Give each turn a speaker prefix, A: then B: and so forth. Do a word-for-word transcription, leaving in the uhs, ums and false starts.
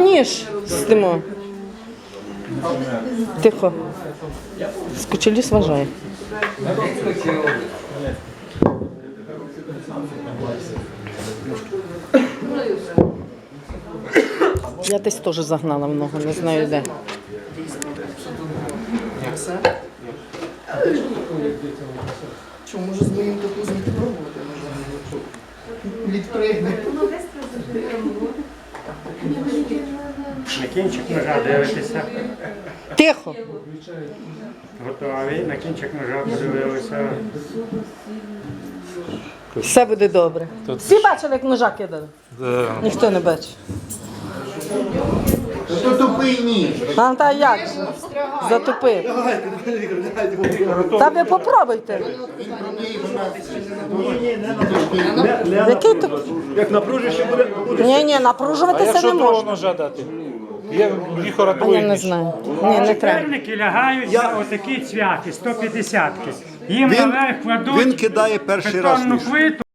A: ніж стимо. Тихо. Скочеліс вважає. Я десь теж загнала в ногу, не знаю де.
B: Що, може з моїм допустим пробувати? Відпригне.
C: На кінчик ножа дивитися.
A: Тихо.
C: Готові. На кінчик ножа подивилися.
A: Все буде добре. Всі бачили, як ножа кидали? Ніхто не бачив.
B: То тупий ніж.
A: А та як же? Затупив. Та ви попробуйте. Який туп?
D: Як напружиш, ще буде.
A: Ні, ні, напружуватися не можна.
D: ножа дати? Є віхора
A: А я не знаю. Ні, не треба.
C: Чотирники лягають на отакі цвяхи, сто п'ятдесятки. Їм
D: Він-
C: наверх кладуть
D: він кидає перший раз
C: бетонну
D: ніж.
C: плиту.